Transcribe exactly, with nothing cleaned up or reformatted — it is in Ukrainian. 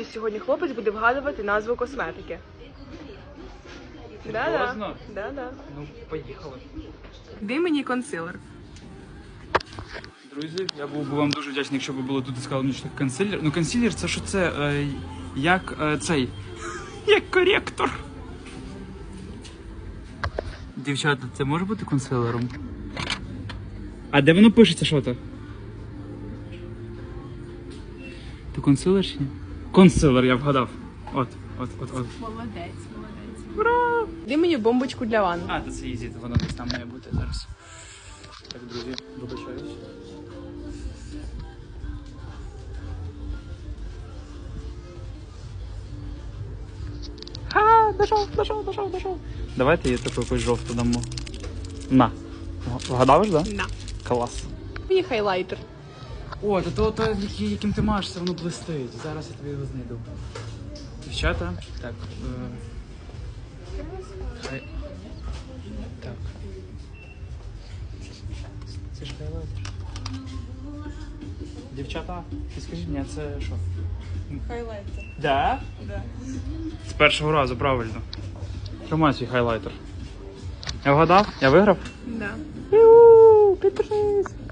Значить, сьогодні хлопець буде вгадувати назву косметики. Да-да. Да-да. Ну, поїхали. Дай мені консилер. Друзі, я був би вам дуже вдячний, якщо б було тут і сказали мені, що таке консилер. Ну, консилер це що це? Е, як е, цей. Як коректор. Дівчата, це може бути консилером? А де воно пишеться, що то? Ти консилер чи ні? Консилер, я вгадав. От, от, от, от. Молодець, молодець. Ура! Дай мені бомбочку для ванни. А, то це ізі, то воно десь там має бути зараз. Так, друзі, вибачаюсь. Ха, дошов, дошов, дошов, дошов. Давайте я таку якусь жовту дамо. На. Вгадав ж, да? На. Клас. Мені хайлайтер. О, то то, то яким ти маєш, все воно блистить. Зараз я тобі його знайду. Дівчата, так. Е... Хай... Так. Це ж хайлайтер. Дівчата, ти скажіть, ні, це що? Хайлайтер. Да? Да. З першого разу, правильно. Тримай свій хайлайтер. Я вгадав? Я виграв? Да. Ю, підпишись.